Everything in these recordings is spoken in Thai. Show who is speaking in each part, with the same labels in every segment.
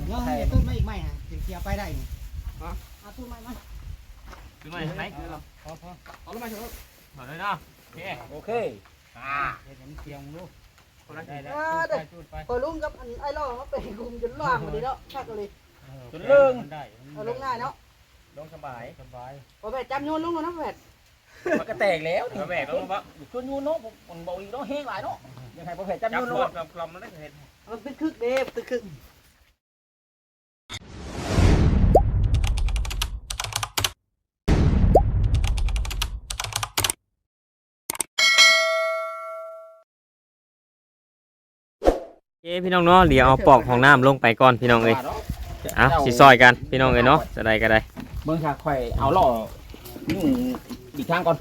Speaker 1: เนาะต้นไม้อีกไม้ฮะถึงเกี่ยวไปได้นี่เอาต้นไม้มา
Speaker 2: ต้นไม้ไหน
Speaker 1: พอ
Speaker 2: เอาต้นไม้เถอะถอดเลยเนาะโอเค
Speaker 1: เดี๋ยวมันเกี่ยวลูก
Speaker 3: ได้พอลุงกับไอ้ล่อมาเป็นกลุ่มจนล่างหมดเลยเนาะชักเลย
Speaker 2: จนเลิง
Speaker 3: เอาลงง่ายเนาะ
Speaker 2: ลงสบาย
Speaker 3: พอแบบจำโยนลุงนะแบบ
Speaker 2: มันก็แตกแล้วนี่แบกแล้วมั้งชวนยูโน่ผมบอกอีกเนาะแห้งหลายเนาะยังไงพอแผลจำยูโน่กลมมันได้เห็น
Speaker 3: มันเป็นคึกเด็บตึกคึก
Speaker 4: พี่น้องเนาะเดี๋ยวเอาปอกของน้ำลงไปก่อนพี่น้องเอ้ยเอาสิซอยกันพี่น้องเอ้ยเนาะจะได้ก็ได้
Speaker 2: เบิ่งค่ะข่อยเอาล่อยุ่งอีกทางก่อน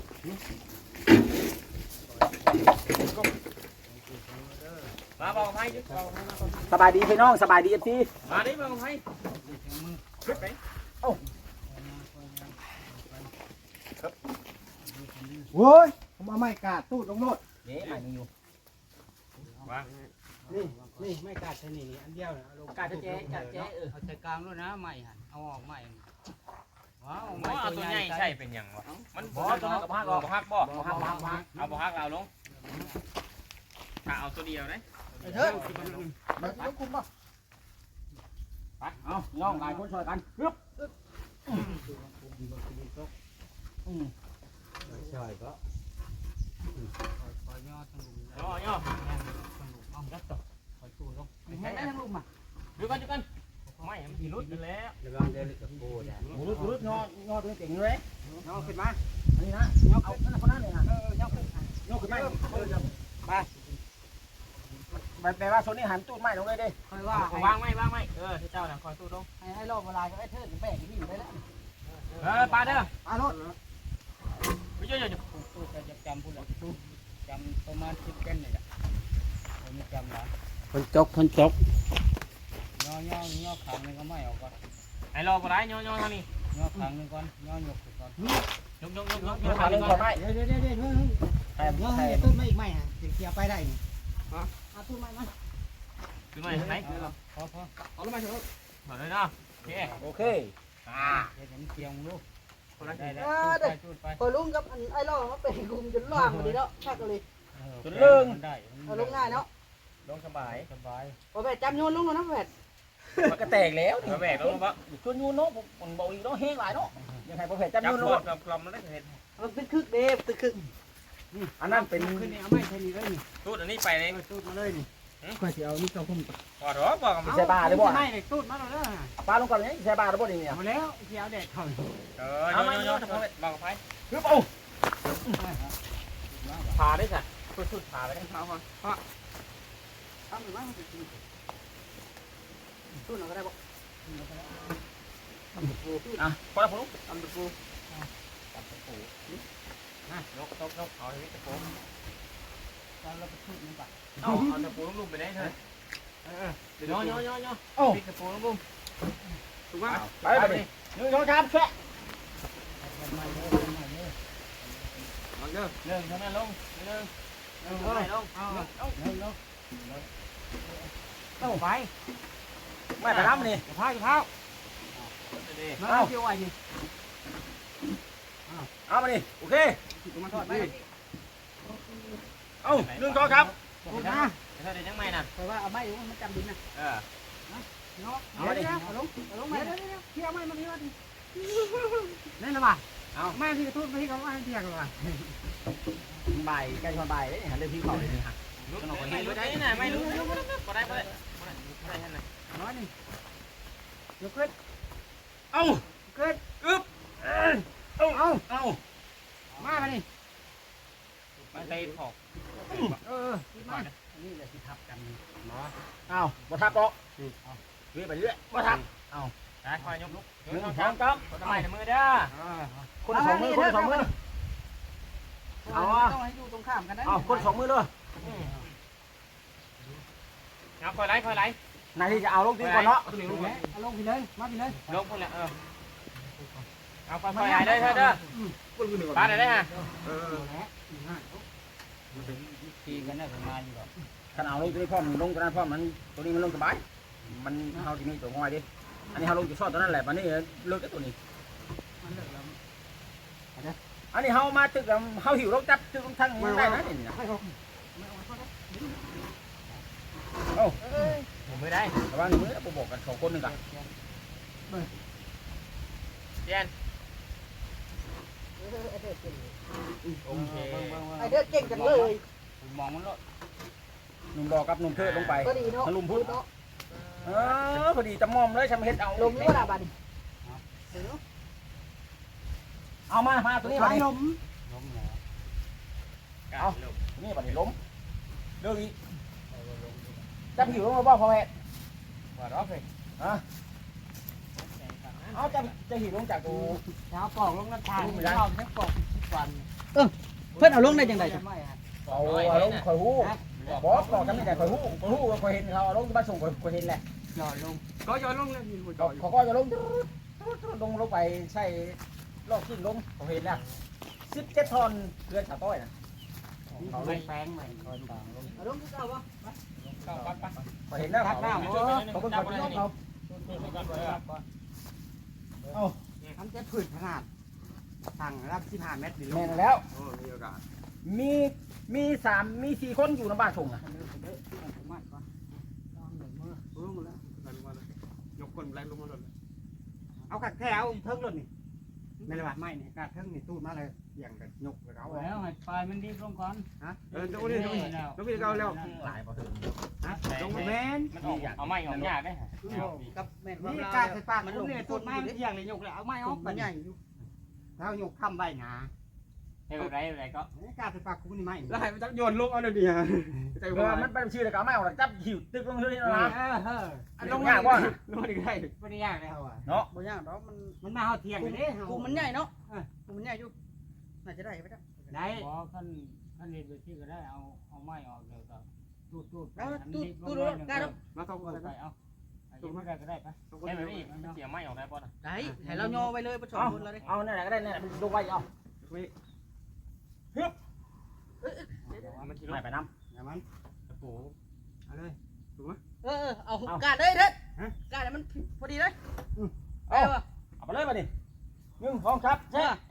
Speaker 2: มาบอกให้สบายดีพี่น้องสบายดีFCมาดิบอกให้ขึ้นไปโอ้
Speaker 1: โว้ยผมเอาไม้กาดตูดลงโลด
Speaker 2: นี่ใหม่นี่อยู่วาง
Speaker 1: นี่ไม่กาดใช่นี่อันเดียวนะลง
Speaker 2: กาดเจ๊
Speaker 1: เอาใจกลางด้วยนะไม้หันเอาออกไม้ว้าว
Speaker 2: ไม้ตัวใหญ่ใช่เป็นอย่างวะมันบ่ตัวนั้นกับฮักบ่ฮักบ่ฮักเอาบ่ฮักเอาลงถ้าเอาตัวเดียวนะ
Speaker 1: เถอะมันต้องคุมป่ะ
Speaker 2: ไปเอาย่องหลายคนช่วยกันปึ๊บ
Speaker 1: ใช่ก็ย่อทั้งลุม
Speaker 2: ย่อ
Speaker 1: เอาดัดต่อคอยตู้ลง
Speaker 3: ไม่ได้ทั้งลุมอ่ะ
Speaker 2: ดูกันไม่มันพิรุษกันแล้ว
Speaker 1: ระวังเดินกับโบนะ
Speaker 2: พิรุษย่อตัวเก่งเลย
Speaker 1: ย่อขึ้นมา
Speaker 2: อันนี้นะย่อเอาคนนั้นเลยนะ
Speaker 1: ย่อขึ้น
Speaker 2: มาไปแปลว่าโซนี่หันตู้ไม้ลงเลยดิ
Speaker 1: คอยว่าวางไม่ที่เจ้าน่ะคอยตู้ลง
Speaker 3: ให้รอบเวลาก็ไอ้เทิดแบกนี่อยู่ได้แล้ว
Speaker 2: ปลาเด้อ
Speaker 1: ปลาโลด
Speaker 2: ไม่เยอะ
Speaker 1: ตู้จะจำพูดหรอจำประมาณ10เป็นเลยจ้ะผมไม่จำนะ
Speaker 4: คนจก
Speaker 1: ย่อขางนึงก็ไม่ออกก่อน
Speaker 2: ไอ้รอปลาย่อทางนี้
Speaker 1: ย่อขางนึงก่อนย่อหยกก่อน
Speaker 2: ยกทางนึงก่อน
Speaker 1: เดี๋ยวย่อให้ต้นไม้อีกไม้ฮะถึงเกี่ยวไปได้นี่เอาต้นไม้มา
Speaker 2: ต้นไม้ไหน
Speaker 1: พอ
Speaker 2: เอาต้นไม้เถอะถอดเลยเนาะโอเค
Speaker 1: เดี๋ยวมันเกี่ยวลูก
Speaker 3: พอลุงกับไอ้ล่อมาเป็นกลุ่มจนล่างหมดเลยเนาะชักเลย
Speaker 2: จนเลิง
Speaker 3: เอาลงง่ายเนาะ
Speaker 2: ลงสบาย
Speaker 3: พอแบบจำโยนลุงนะแบบ
Speaker 2: มันก็แตกแล้วนี่แบกแล้วมั้งชวนยูโน่ผมบอกอีกเนาะแห้งหลายเนาะยังไงพอแผลจำยูโน่กลมมันได้เห็น
Speaker 3: มันเป็นคึกเด็บตึกคึก
Speaker 2: อันนั้นเป็น
Speaker 1: ขึ้นนี่เอาไม่ใช่นี่เลยนี่
Speaker 2: ตูดอันนี้ไปเลย
Speaker 1: ตูดมาเลยนี่ค่อยสิเอานี่เข้าพุ่มก่อน
Speaker 2: พอหรอบอกมันใช่บาหรือบ่
Speaker 1: ไม่เลยตูดมาแล้ว
Speaker 2: ปลาลงก่อนนี่ใช่บาหรือบ่นี่เนี่ย
Speaker 1: มาแล้วเกี่ยวแดดเข้า
Speaker 2: เอามาโยนบอกไปปึ๊บเอาผ่าได้จ้ะสุดผ่าไปได้เท้าก่อน
Speaker 3: ทำหรือไม่ตู้หน่อยก็ได้บ่
Speaker 2: พอแล้วผม
Speaker 1: ทำตะปู
Speaker 2: ยกเอาที่ตะปู
Speaker 1: เราไปทุบมันก่อน
Speaker 2: เอาตะปูลุ่มไปได้เถอะย่อ
Speaker 1: โอ้ตะปูลุ่มถูกป่ะ
Speaker 2: ไปดิย่อชามแช่
Speaker 1: เรื่องเท่านั้นลงเรื่องเอาไป
Speaker 2: ไม่ไปทำนี่
Speaker 1: เท้ามาเกี่ยวไว้ดิ
Speaker 2: เอามาดิโอเค
Speaker 1: มาทอดไป
Speaker 2: เอา1 2ครับ
Speaker 1: พูดนะ
Speaker 2: เธอเดี๋ยวยังไม่น่ะ
Speaker 3: แต่ว่าเอาไม้อยู่มันจำดินนะ
Speaker 1: เนาะเอาดิเอาลงมาเที่ยวไม้มาที่ว่าดินี่ละบ่เอาแม่ที่ทุบไปที่เขาว่าให้เที่ยวกันว่ะ
Speaker 2: บ่ายใกล้ชนบ่ายเลยหันเรื่องที่เขาเลยนี่ฮะไม่รู้ได้น่ะไม่รู้บ่ได้ท่านน่ะ
Speaker 1: น้อยนี่ยกขึ้น
Speaker 2: เอา
Speaker 1: ขึ้น
Speaker 2: อึ๊บเอา
Speaker 1: มาดิ
Speaker 2: มาเตะขอบ
Speaker 1: มานี่แหละที่ทับกันเนาะ
Speaker 2: เอาบ่ทับหรอกเรื่อยไปเรื่อยบ่ทับเอาได้คอยยกลุก1 2ครับทำไมมือเด้อคน2 มือ
Speaker 3: เอาต้องให้อยู่ตรงข้ามกันได้
Speaker 2: เอาคน2 มือด้วยเอาคอยไหลนายที่จะเอาลงตีก่อนเนาะ
Speaker 1: เอาลงไปเลยมาไปเลย
Speaker 2: ลงไปเลยเอาคอยไหลได้เถอะเด้อปลาได้ฮะ
Speaker 1: ทีกันได้ประมาณนี้ก่อน
Speaker 2: ขนาดลงตัวนี้พร้อมลงตัวนั้นพร้อมมันตัวนี้มันลงสบายมันเฮาที่มีตัวง่อยดิอันนี้เฮาลงจุดซ่อนตัวนั้นแหละมันนี่เลิกตัวนี้อันนี้เฮามาตึกเฮาหิวลงจับตึกลงทั้งได้นะนี่นะโอ้ผมไม่ได้แต่ว่ามือผมบอกกัน2คนนึงกันเจนโอเค
Speaker 3: ไอเด้อเก่งจังเลย
Speaker 2: มองมันแล้วหนุ่มดอกกับหนุ่มเทิดลงไป
Speaker 3: ก็ดีเนาะ
Speaker 2: ทะลุพุทธพอดีจะมอมเลยชำเฮ็ดเอา
Speaker 3: ลมนี่ว่าบัดนี้
Speaker 2: เอามาตัวนี้
Speaker 3: ไหล
Speaker 2: มา
Speaker 3: ลม
Speaker 2: เอานี่บัดนี้ล้มเรื่องอีกจับหิวลงมาบ่พอแม่ว่าร้องเลยฮะเอาจะหิวลงจากตัว
Speaker 1: เช้าปอกลงน้ำทางเราแค่ปอก10 วัน
Speaker 3: เพิ่นเอาลงได้จังได๋
Speaker 2: เอาลงคอยหูบอกจำไม่ได้คอยหูคอยเห็นเขาเอาลงบ้านส่งคอยเห็นแหละ
Speaker 1: หย่อนลงก็หย่อนลงเลยมีหัวหย่อน
Speaker 2: เขาก็จะลงลงไปใส่ลอกขึ้นลงเขาเห็นแล้ว17 ทอนเรือนสาวต้อยนะ
Speaker 1: เขาลงแป้งใหม่คอยต่างลง
Speaker 3: เอาลงคือเก่าบ่
Speaker 2: เขาเห็นแล้วเขาเป็นคนที่เขา
Speaker 1: ทำจะผืนขนาดสั่งรับ15 เมตรดิ
Speaker 2: แม่นแล้ว
Speaker 1: โอ้มีโอกาส
Speaker 2: มี4 คนอยู่ในบ้านส่งนะ
Speaker 1: ยกคนแรงลงมาเลยเอากัดแค่เอาเทิงรถนี่ไม่เลยว่าไม่เนี่ยกัดเทิงนี่ตู้มาเลยอย่างกันยกเลยเอา
Speaker 5: แล้วให้ปลายมันดีลงก่อน
Speaker 1: ฮะตู้นี่ต้องพี่เอาแล้ว
Speaker 2: หลายพอถึง
Speaker 1: ฮะลงแมน
Speaker 5: มันออกเอาไม้ออกยากได้
Speaker 3: กับแม่น
Speaker 1: นี่
Speaker 3: ว่า
Speaker 1: กัดใส่ปากมันเนี่ยตู้ไม้มันอย่างเลยยกเลยเอาไม้ออก
Speaker 3: มันใหญ่อยู่
Speaker 1: แล้วยกคำใบหนา
Speaker 5: ให้อะไรก็
Speaker 1: กัดใส่ปากคุณนี่ไม่แล้วให้มันจับโยนลูกเอาเลยดิฮะใจ
Speaker 2: เอ
Speaker 1: ว่า
Speaker 2: อมันเป็นชื่อแต่ก็ไม่ออกจับหิวตึกลงเลยนะ
Speaker 1: ลงยากว่าลงได้ไม่ได้ยากเลย
Speaker 2: เนาะ
Speaker 3: บ่ยากดอกมัน
Speaker 1: มันมาเฮาเที่ยงเลยเด้
Speaker 3: กูมันใหญ่เนาะกูมันใหญ่อยู่น่าจะได้ไปแล้ว
Speaker 1: ได้
Speaker 5: พอขั้นเรียนไปที่ก็ได้เอาไม้ออกแล้วก็ตูด
Speaker 3: แล้วตู้ได้แล้ว
Speaker 1: มาต้องกัน
Speaker 5: ไปเอาตูดไม่ได้ก็ได้ปะแค่แบบนี้มันเสียไม้ออกได้ป่ะ
Speaker 3: ได้ให้เราย่อไปเลยบ่ชอบคนเราได้
Speaker 2: เอาเนี่ยก็ได้เนี่ยลงไว้เอา
Speaker 5: มันคิด
Speaker 2: ไม่
Speaker 5: ว่า
Speaker 2: ไปน้
Speaker 1: อย่ามัน
Speaker 5: ตะปู
Speaker 1: เอาเลยถูกไหม
Speaker 3: เอากาดเลยเด้กาดมันพอดีเลย
Speaker 2: ำเอาไปเลยมาดิ1 2ครับใช่ให้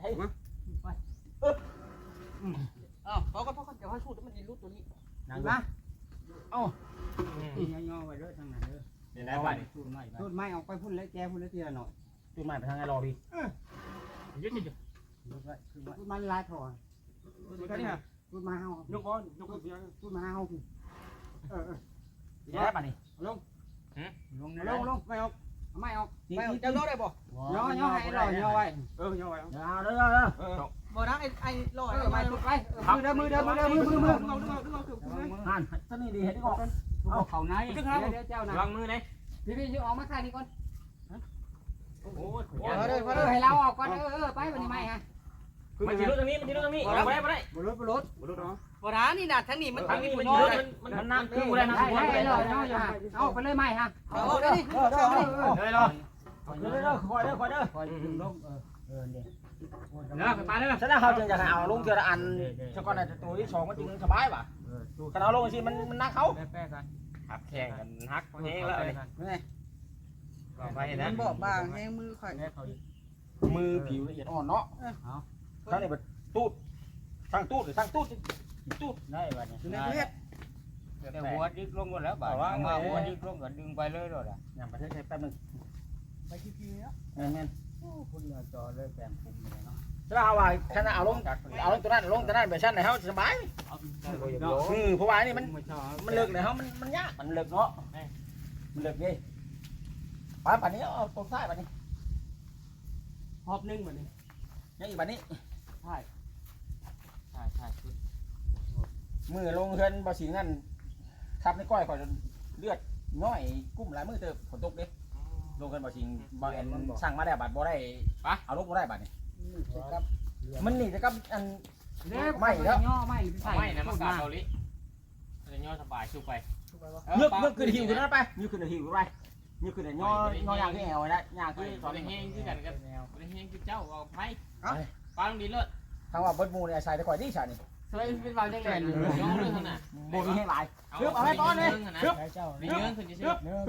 Speaker 3: พอก่อนเดี๋ยวให้สูดมันดีรูดตัวนี้
Speaker 2: นั่งมาเอา
Speaker 1: ย่อๆไว้เลยทางนั้นเด้อ
Speaker 5: เดี๋ยวได้ป่ะนี่
Speaker 1: ตูดไม้ออกไปพุ่นแล้วแกพุ่นแล้วทีละหน่อย
Speaker 2: จุดใหม่ไปทางไงรอพี่
Speaker 5: ยึดยึด
Speaker 1: พูดมันลายถอนพูดมาเฮายกก้อนยกเสียพูดมาเฮา
Speaker 2: ได้ป่ะนี่
Speaker 1: ลง
Speaker 5: ลง
Speaker 1: ลงไม่ออกไม่ออก
Speaker 3: ไปจะย่อได้บ่
Speaker 1: ย่อให้หล่อย่อไว้ย่อไว้
Speaker 2: เอาเด้อ
Speaker 3: บ่นะไอ้ลอย
Speaker 1: ไม่ตุกไปมือ
Speaker 2: หันท่านนี่ดีเห็นดีก่อน
Speaker 5: เอาเข่าใน
Speaker 1: เดี๋ยวเจ้านะ
Speaker 5: วางมือไหน
Speaker 1: พี่ยืมออกมาข้างนี้ก่อน
Speaker 5: โอ้โห
Speaker 1: ให้เราออกก่อนไปวันนี้ไม่ฮะ
Speaker 5: มันยืดตรงนี้มันยืดตรงนี้ไม่ได้ไม่ได้
Speaker 1: บรถเนาะ
Speaker 3: บ่นะนี่น่ะทั้งนี้มัน
Speaker 5: ทางนี้มัน
Speaker 3: ย่อ
Speaker 5: ยืดมันนั่งคืออะไรนะ
Speaker 1: ให้เราเอาไปเลยไม่ฮะ
Speaker 3: เอาได้นี่
Speaker 5: เลยรอ
Speaker 2: คอยเด้อคอยเด้อ
Speaker 1: คอยดึงลง
Speaker 5: เด้อไปเด้อ
Speaker 2: ฉะนั้นเขาจึงจะเอาลงเจออันชกอนในตัวที่2มันจึงสบายป่ะขณะลงสิมันนักเขา
Speaker 1: แป้กัน
Speaker 5: หักแข่งกันหักแห้งแล้วนี่ ไป
Speaker 3: มั
Speaker 5: นะ
Speaker 3: นบ่บางแห้งมือข่อย
Speaker 2: มือผิวละเอียดอ่อนเนาะท่านนี่เป็นตูดสร้างตูดหรือสร้างตูดตูด
Speaker 5: ได้ป่ะนี่
Speaker 3: อยู่ในประเทศ
Speaker 5: แต่หัวดิกลงหมดแล้วบ่าวมาหัวดิกลงก็ดึงไปเลยด้วยล่ะ
Speaker 2: อย่างประเทศไทยแป๊บนึง
Speaker 3: ไปขี้ๆเนาะ
Speaker 2: แม่น
Speaker 5: คุณจอเลยแปลงคุมเลยเนาะ
Speaker 2: ๆถ้าเอาว่าขณะเอาลงตัวนั้นลงตัวนั้นไปชั้นไหนเขาสบายเพราะว่านี่มันเลิกเลยเขามันยากมันเลิกเนาะมันเลิกดิป่านนี้เอาตัวซ้ายป่านนี้
Speaker 1: หอบนึงเหมือนนี้
Speaker 2: ยังอีกป่านนี้
Speaker 5: ใช่ชุด
Speaker 2: มือลงเฮือนบ่สิงนั่นทับในก้อยก่อนเลือดน้อยกุ้มหลายมือเติบฝนตกเด้ลงกันบ่สิงบ่แอนสั่งมาแล้วบัดบ่ได้ปะเอาลงบ่ได้บัดนี่มันนี่จะกับอัน
Speaker 1: ไม่แล้วย่อไม่
Speaker 5: ไม่นะมันกาเกาหลีจะย่อสบายชูไป
Speaker 2: นึกขึ้นหิวขึ้นนั่นไปนึกขึ้นหิวไปนึกขึ้นย่อย่างที่แอวไว้นะย่าง
Speaker 5: คื
Speaker 2: ที่
Speaker 5: อ
Speaker 2: ตอน
Speaker 5: ได้
Speaker 2: นี้
Speaker 5: แห้งคือกันกับได้แห้งคือเจ้าเอาไผ่ปลาลงดินเลย
Speaker 2: ทางว่าเบิดมูเนี่ยใส่ได้ก่อยดีฉานี่
Speaker 1: สวยเป็นวางได้เลย
Speaker 5: ย่อเลยขนาด
Speaker 2: บ่มีให้หลาย
Speaker 5: เอาไว้ตอนนี้
Speaker 2: ฮึบ
Speaker 5: เนื้อขึ้นจะ
Speaker 2: ฮึบ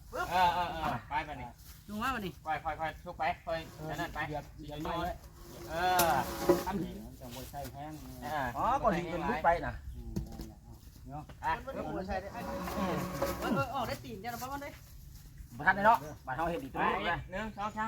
Speaker 4: ไปไปนี่
Speaker 3: ดูมาบัดนี้
Speaker 4: ค่อยทุกไปค่อยนั่นไป
Speaker 5: เหยียบน้อย
Speaker 4: ทำ
Speaker 5: จังบ่ใช่แห้ง
Speaker 2: อ๋อก่อนสิจนลุกไปน่ะ
Speaker 3: มันบ่ใช่ได้ออกได้ตีนจ้ะนะบ่มันได้
Speaker 2: บ่ทันได้เนาะบ้านเฮาเฮ็ดอีก
Speaker 4: ไป
Speaker 2: ตัวนึง
Speaker 4: หนึ่งสองสาม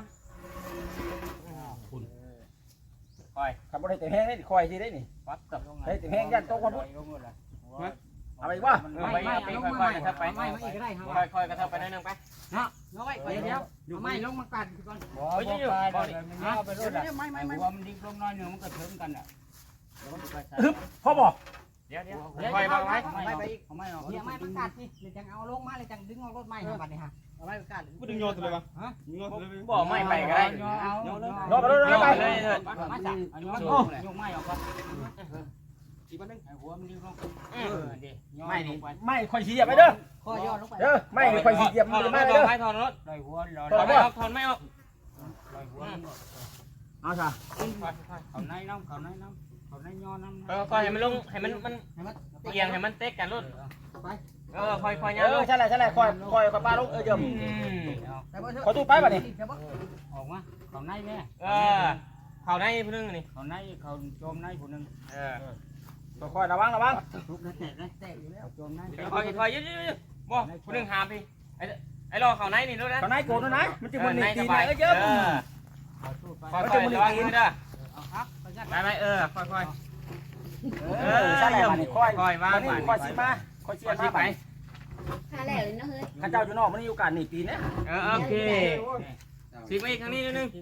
Speaker 2: คันบ่ได้แต่แห้งได้คอยสิได้นี่
Speaker 5: ปั๊บกับลง
Speaker 2: เฮ้ยแต่แห้งยันโตกว่าพุ่น
Speaker 5: ลงเลย
Speaker 2: เอาไปบ่
Speaker 4: ไม่ค่อยกระทับไป
Speaker 1: ไม่อีกก็ได้ครับ
Speaker 4: ค่อยกระทับไปนิดนึงไป
Speaker 1: เนาะน้อยเดี๋ยวเอาไม้ลงมากัดก่อน
Speaker 5: บ่ไปมันเอาไปรถอ่ะ
Speaker 3: ไม่
Speaker 5: หัวมันดิ้งลงน้อยนึงมันก็ถึงกันอ่ะ
Speaker 2: พ่อบ่
Speaker 4: เดี๋ยวค่อยมาไว้
Speaker 5: ไม่ไปอีกไม่ออก
Speaker 1: เนี่ยไม้มันกัดนี่เลยจังเอาลงมาเลยจังดึงเอารถไม้ครับบัดนี้ฮะ
Speaker 3: เอาไว้กัด
Speaker 6: กูดึงโยนตัวเลยวะ
Speaker 4: บอกไม่ไปก็ได้
Speaker 5: เอา
Speaker 2: รอไปเลยไป
Speaker 4: เลยเถิด
Speaker 5: มาจับเอายกไม้ออกก่อนอีกนึงหัวมันดิ้งลงดิ
Speaker 2: ไม่นี่ไม่ค่อยสิเหยียบไปเด้อ
Speaker 3: ข้อย่อลงไป
Speaker 2: เด้อไม่ค่อยสิเหยียบ
Speaker 4: ถ
Speaker 2: มั
Speaker 4: อน น
Speaker 2: ไม่
Speaker 4: ไม่
Speaker 2: เด้อ
Speaker 4: ให้ถอนรถ
Speaker 5: ลอยหัวลอย
Speaker 4: ถอนไม่ออกถอนไม่ออก
Speaker 5: ลอยหัว
Speaker 2: เอาซะ
Speaker 5: เขาในน้ำเขาในน้ำเขาในย้อนน้ำ
Speaker 4: ค่อยให้มันลงให้มันเอียงให้มันเต็กกันรถค่อยๆเนี่ย
Speaker 2: ใช่เลยค่อยป้าลงเจิม
Speaker 3: แต่บ่เถอะ
Speaker 2: ขอตู้ไปบัดนี้
Speaker 5: ออกมาเขาในแม่
Speaker 4: เขาในพึ่งนี่
Speaker 5: เขาในเขาโจมในผู้นึง
Speaker 2: ค่อยระวัง
Speaker 3: ทุกนั้นแตกอยู่แล้ว
Speaker 5: โจมใน
Speaker 4: ค่อยยืดบ่พึ่งหามพี่ไอ้รอเขาในนี่รู้นะ
Speaker 2: ตอนไหนโกรธนะมันจะมันหนีตีนเจิม
Speaker 5: เอาตู้ไป
Speaker 4: ค่อยๆระวังมือเด้อ
Speaker 5: เอาครับไปยัด
Speaker 4: ไปค่อย
Speaker 2: ใช่เลยบัดนี้ค่อย
Speaker 4: ๆวาง
Speaker 2: ค่อยสิมาค่อยเชียร์มาไป
Speaker 7: หาแล้วเลยนะเฮ้ย
Speaker 2: ข้าเจ้าอยู่นอกมันอยู่การหนีตีนเนี่ย
Speaker 4: โอเคสิมาอีกครั้งนี้นิดนึง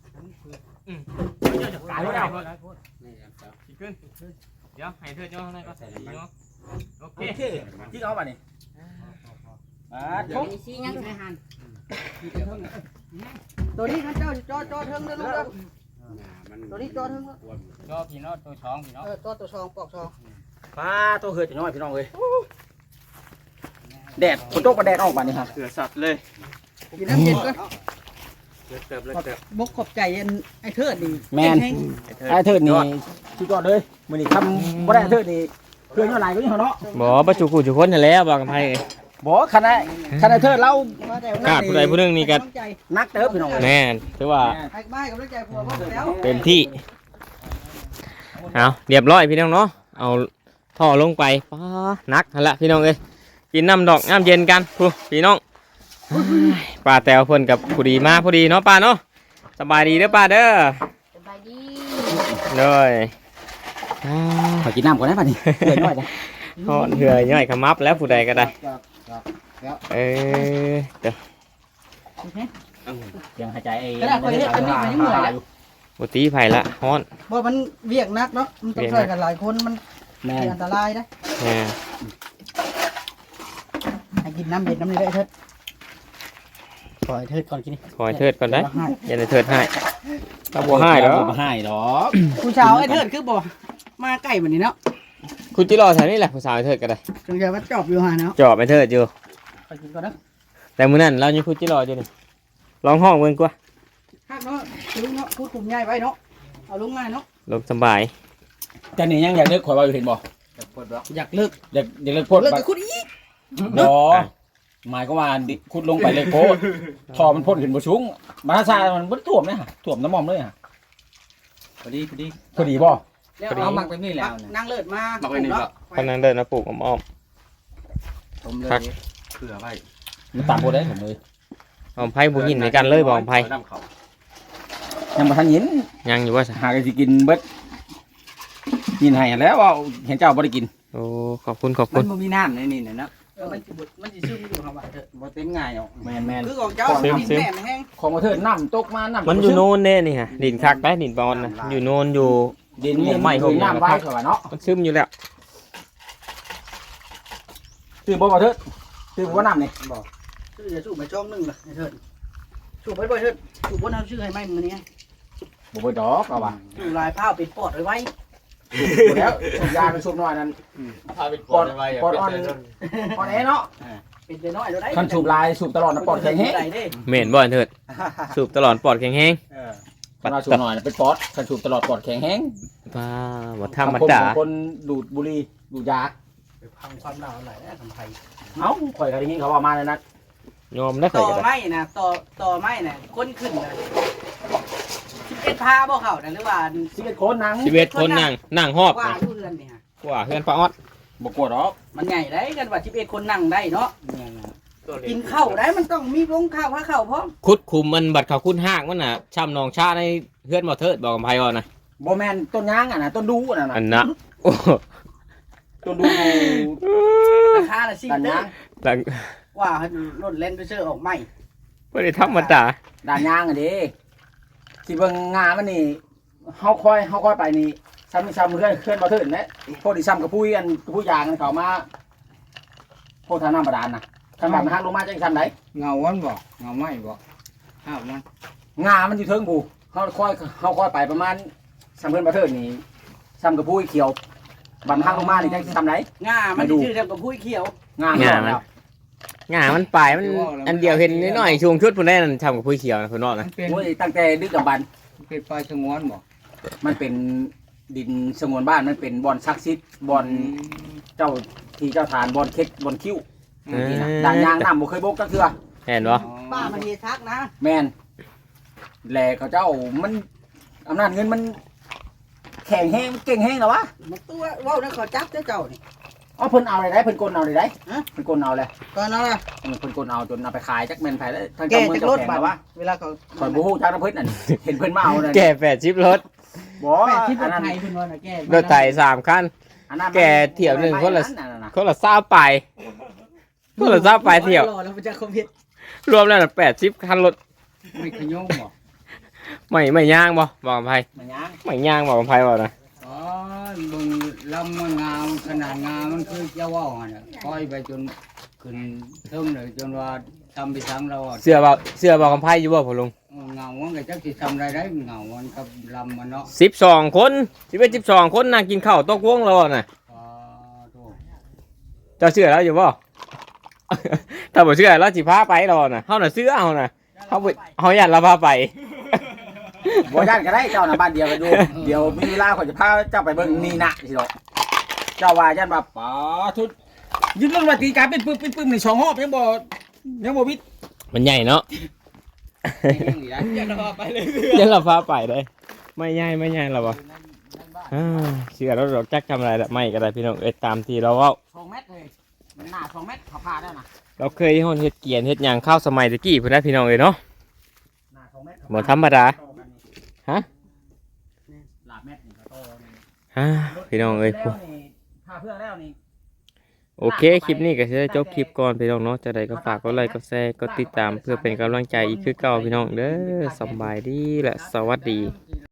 Speaker 2: ตายแล้ว
Speaker 4: ขึ้นเดี๋ยวให้เธอเจ้าข้างในก็ใส่เนาะโอ
Speaker 2: โอ
Speaker 4: เค
Speaker 2: เคที่เอาบัดนี้ทุก
Speaker 7: มีซี่ยังไงหัน
Speaker 3: ตัวนี้ข้าเจ้าจอเทิงเด้อลูกเด้อตัวนี้จอเทิง
Speaker 5: จอพี่น้องตัวช้องพี่น้อง
Speaker 3: ตัวซองปอกซอง
Speaker 2: ป้าตัวเหือจะน้อยพี่น้องเลยแดดฝนตกก็แดดออกบัดนี้ฮะ
Speaker 4: เสือสัตว์เลย
Speaker 3: กินน้ำเย็นก็
Speaker 4: เติบเลย
Speaker 3: บกขอบใจไอ้เทิดนี่
Speaker 2: แมนไอ้เทิดนี่ชุดยอดเลยมือนี่ทำบ่ได้เทิดนี่เพื่อนอะไรก็ยังเนาะ
Speaker 4: บ่ประจุกูจุคนนั่นแหละบอกกันไผ
Speaker 2: บ่คณะเทิดเรา
Speaker 4: กาดผู้ใดผู้หนึงนี่ก็
Speaker 2: นักเติบพี่น้องเลย
Speaker 4: แน่ถือว่า
Speaker 3: ไอ้บ้านกับลูกใจผัวพ่อแล้ว
Speaker 4: เต็มที่เอาเรียบร้อยพี่น้องเนาะเอาท่อลงไปป้านักหั่นละพี่น้องเอ้ยกินน้ำดอกน้ำเย็นกันพี่น้องป้าแตวเพิ่นกับผู้ดีมาผู้ดีเนาะป้าเนาะสบายดีเด้อป้าเด้อ
Speaker 7: สบายดี
Speaker 4: เลยอ่า
Speaker 2: ขอกินน้ำก่อนได้ป่ะนี่เดือดน้อยจ้ะ
Speaker 4: ทอดเหือย่อยขมับแล้วผู้ใดก็ได้เออเดี๋ยว
Speaker 2: ยังหายใจไอ้
Speaker 4: บุตรีไผ่ละฮ้อน
Speaker 3: บ่มันเวียกนักเนาะมันต้องช่วยกันหลายคนมัน
Speaker 2: แม่
Speaker 3: อันตรายนะ
Speaker 4: แหม
Speaker 3: ให้กินน้ำเย็นน้ำนี้ได้เถิดปล่อยเถิดก่อนกิน
Speaker 4: ขอให้เทิดก่อนได้อย่าได้เทิดให้ถ้าบัวให้เด้อ
Speaker 2: บ่ให้ดอก
Speaker 3: ผู้สาวไอ้เถิดคือบ่มาใกล้แบบนี้เนาะ
Speaker 4: คุณจิรอแถวนี้แหละผู้สาวให้เทิดก็ได้
Speaker 3: จงใจว่าจอบอยู่หาเนาะ
Speaker 4: จอบไปเทิดอยู่
Speaker 3: ไปกินก่อนนะ
Speaker 4: แต่มื้อนั้นเราอยู่คุณจิรออยู่นี่ลองห้องเบิ่งกว่า
Speaker 3: ฮักเนาะลุงเนาะพูดกลุ่มใหญ่ไว้เนาะเอาลุงง่ายเนาะ
Speaker 4: ลงสบาย
Speaker 2: แต่นี่ยังอยากเลิกข่อยว่าอยู่เห็นบ่
Speaker 3: อยากเลิก
Speaker 2: อยากเลิกโพด
Speaker 3: เลิกกับคุณอีก
Speaker 2: ดอหมายก็ว่าขุดลงไปเลยโพดทอมันพ่นขึ้นบ่สูงบาราซามันบ่ท่วมเลยฮะท่วมน้ำมอมเลยฮะพอดีบ่
Speaker 3: แล้วเอาหมักแบบนี้แล้วนั่งเลิศมา
Speaker 4: กำลังเดินมาปลูกอ้อม
Speaker 6: ผมเลยเผื่อไว้
Speaker 2: มันตามบ่ได้ผมเลย
Speaker 4: ๆอ้อมไผ่บ่ยินในกันเลยบ่อ้อมไผ่
Speaker 6: น้ำเขา
Speaker 2: ยังบ่ทันยิน
Speaker 4: ยังอยู่ว่าซะ
Speaker 2: หากันสิกินเบิดยินให้แล้วว่าเห็นเจ้าบ่ได้กิน
Speaker 4: โอ้ขอบคุณ
Speaker 6: มันบ่มีน้ำในนี่นะ
Speaker 3: มันจะซึมอยู่ครับว่าเถอะ
Speaker 6: บ่เต็มง่ายหรอก
Speaker 2: แม่น
Speaker 3: คือของเจ้าดินแม่แห้ง
Speaker 2: ๆของบ่เถิดน้ำตกมาน้ำ
Speaker 4: มันอยู่โน่นเด้นี่ฮะดินคักได้ดินบอลนะอยู่โน่นอยู่
Speaker 2: ดินนี่ไม่น้ำไว้ข่อยว่าเนาะ
Speaker 4: มันซึมอยู่แล้ว
Speaker 2: ตื่นบ่เถิดตื่นบ่น้ำนี่
Speaker 3: ชื่อจะสูบไปช่องนึงล่ะเถิดสูบไปบ่เถิดสูบบ่เอาชื่อให้ไหมมื้อนี้
Speaker 2: บ่เบิดดอกเอาว่า
Speaker 3: สูบลายผ้าปิดปอดไว้
Speaker 2: แล้วสูบยาไปสูบน้อยนั่น
Speaker 6: พาไป
Speaker 2: ปอดปอดอ่อนปอดแอเนาะ
Speaker 3: ปิดน้อยแล้วได้
Speaker 2: คันสูบลายสูบตลอดนะปอดแข็งแฮง
Speaker 4: เหม็นบ่อนเถิดสูบตลอดปอดแข็งแห้ง
Speaker 2: คันว่าสูบน้อยเป็นปอดคันสูบตลอดปอดแข็งแฮง
Speaker 4: ป้าบ่ธรรมดา
Speaker 2: คนดูดบุหรี่ดูดยา
Speaker 3: พังความหนาวไหลแล้วทำไผ
Speaker 2: เอ้าข่อยก็ได้ยินเขาว่ามาเลยนะ
Speaker 4: ยอมได้เค
Speaker 3: ต่
Speaker 4: ย
Speaker 3: อ
Speaker 4: กัน
Speaker 3: ไม้นะต่อไม้น่ะคนขึ้นน่ะ11พาบ่เข้าน่ะหรือว่า
Speaker 2: 11คนนั่ง
Speaker 4: 11คนนั่งหอบ
Speaker 3: ว่า
Speaker 4: นะ
Speaker 3: อยู่เรือนนี่ฮะ
Speaker 4: กว่าเฮือนป้าออด
Speaker 2: บ่กลัวดอก
Speaker 3: มันใหญ่ได้กันว่า11คนนั่งได้เนาะกินข้าวได้มันต้องมีลงข้าวพาข้าวพร้อม
Speaker 4: คุดคุมมันบัดเขาคุดหากมันน่ะช้ำนองชาในเฮือนบ่เทิดบอกกับไผว่านะ
Speaker 2: บ่แม่นต้นยางอ่ะนะต้นดูอ่ะนะ
Speaker 4: อันน่ะโอ้
Speaker 2: ต้นดู
Speaker 3: ราคาละสิ
Speaker 2: ด้าน
Speaker 3: เด้
Speaker 2: ยา
Speaker 3: อง
Speaker 4: หลัง
Speaker 3: ว่าให้รถเล่นไปซื้อออกใหม่
Speaker 4: บ่ได้ธรรมดา
Speaker 2: ด้านยางอ่ะเด้สิเบิ่งงามันนี่เฮาค่อยไปนี่ซ้ำเพื่อนบ่ถึงแหละพวกที่ซ้ำกับผู้อันผู้ยางกันเข้ามาพวกทางน้ำบาดาลน่ะทางบ้านมันหักลงมาจังซั่นได
Speaker 5: เงาวันบ่เงาไม้บ่ห้าวมัน
Speaker 2: งามันอยู่เทิงผู้เฮาค่อยไปประมาณซ้ำเพื่อนบ่ถึงนี่ซ้ำกับผู้เขียวบัดมันหักลงมานี่จังสิซ้ำได
Speaker 3: ง่ามันสิชื่อเดียวกับผู้เขียว
Speaker 2: งา
Speaker 4: ง่ามันง่ามันปลายมันอันเดียวเห็นน้อยๆช่วงชุดพุ่นได้นั่นทำกับผู้เขียวนะพุ่นเนาะ
Speaker 5: มั
Speaker 4: นะ
Speaker 5: นเป็น
Speaker 2: โอ้ยตั้งแต่ดึกดำบรรพ์
Speaker 5: เป็นปลายสงวนบ่
Speaker 2: มันเป็นดินสงวนบ้านมันเป็นบอนซักซิดบอนเจ้าที่เจ้าทานบอนเค็ดบอนคิ้วนี่นะด่านยางน้ำบ่เคยบกก็คือ
Speaker 4: เห็นบ่
Speaker 3: ป้ามันเฮทักนะ
Speaker 2: แมนแหล่เขาเจ้ามันอำนาจเงินมันแข็งแห้งเก่งแห้งแล้ววะ
Speaker 3: มันตัวเว้านั่นขอจับเจ้านี่
Speaker 2: อ๋อเพิ่นเอาอะไรได้เพิ่นกลเอาอะไรได้
Speaker 3: ฮะ
Speaker 2: เพิ่นกลเอาเลย
Speaker 3: ก่อนนะ
Speaker 2: เพิ่นกลเอาจนเอาไปขายจักแม่นไผแล้วทาง
Speaker 3: แก
Speaker 2: เจ้าเมือง
Speaker 3: จาก
Speaker 2: เจ้าร
Speaker 3: ถ
Speaker 2: แข็ง
Speaker 3: บัด
Speaker 2: แล้ววะ
Speaker 3: เวลาเขา
Speaker 2: ข่อยบ่ฮู้จักน้ำเพิ่นนั่นเห็นเพิ่นมาเอาเลย
Speaker 4: แก่80รถ
Speaker 2: บ่
Speaker 5: แม่ที่
Speaker 2: อัน
Speaker 5: รถ
Speaker 2: นั้น
Speaker 5: ไทยเพิ่นว่าน่ะแก้
Speaker 4: รถไถ3คัน
Speaker 2: อันนั้น
Speaker 4: แกเที่ยวหนึ่งคนละ
Speaker 2: อัน่ะ
Speaker 4: คนละ20ปลายคนละ20ปลายเที่ยว
Speaker 3: รอแล้วมันจะคอมพิว
Speaker 4: รวมแล้วน่ะ80คันรถ
Speaker 5: ไม่ขยงบ่
Speaker 4: ไม่ย่างบ่บอกกับไผ
Speaker 2: มันยัง
Speaker 4: ไม่ย่างบอกกับไผว่านะ
Speaker 5: อ๋อเบิ่งลำมันงามขนาดงามมันคือจะเว้าหั่นน่ะปล่อยไปจนขึ้นเทิงเลยจนว่าทำไปทางเราอะ
Speaker 4: เสื้อบอกกับไผอยู่บ่พ่อลุง
Speaker 5: เงามันก็จักสิทำได้เงามันกับลำมันเนาะ
Speaker 4: 12คน11 12คนนั่งกินข้าวตกวงแล้วน่ะ
Speaker 5: อ๋อโธ่
Speaker 4: เจ้าเชื่อแล้วอยู่บ่ ถ้าบ่เชื่อแล้วสิพาไปแล้วน่ะเฮาน่ะเชื่อเฮาน่ะเฮาอยากเราพาไป
Speaker 2: บ่ย่านก็ได้เจ้าน่ะบ้านเดียวกันอยู่เดี๋ยวมีเวลาข่อยจะพาเจ้าไปเบิ่งนี่นะสิดอกเจ้าว่าย่านว่าป๋าทุดยืนเรื่องว่าตีการเป็นปึ้มนี่2รอบยังบ่วิด
Speaker 4: มันใหญ่เนาะ
Speaker 3: อย่ารอไปเลย
Speaker 4: เดี๋ยวเราพาไปได้ไม่ใหญ่หรอวะเชื่อแล้วเราจักทำอะไรละไม่ก็ได้พี่น้องตามที่เราเว้า
Speaker 2: 2เมตรเลยมันหน้า2เมตรเขาพาได้นะ
Speaker 4: เราเคยเฮ็ดเกียนเฮ็ดหยังข้าวสมัยตะกี้พุ่นนะพี่น้องเนาะ
Speaker 2: หน้า2เมตร
Speaker 4: บ่ธรรมดา ฮะ
Speaker 2: หลาบเมตรนี่ก็โตนี่
Speaker 4: พี่น้องเอ้ย
Speaker 2: แล้วนี่พาเพื่อนแล้วนี่
Speaker 4: โอเคคลิปนี้ก็จะจบคลิปก่อนพี่น้องเนาะจะได้ก็ฝากกดไลค์กดแชร์กดติดตามเพื่อเป็นกำลังใจอีกคือเก่าพี่น้องเด้อสบายดีและสวัสดี
Speaker 2: แล้ว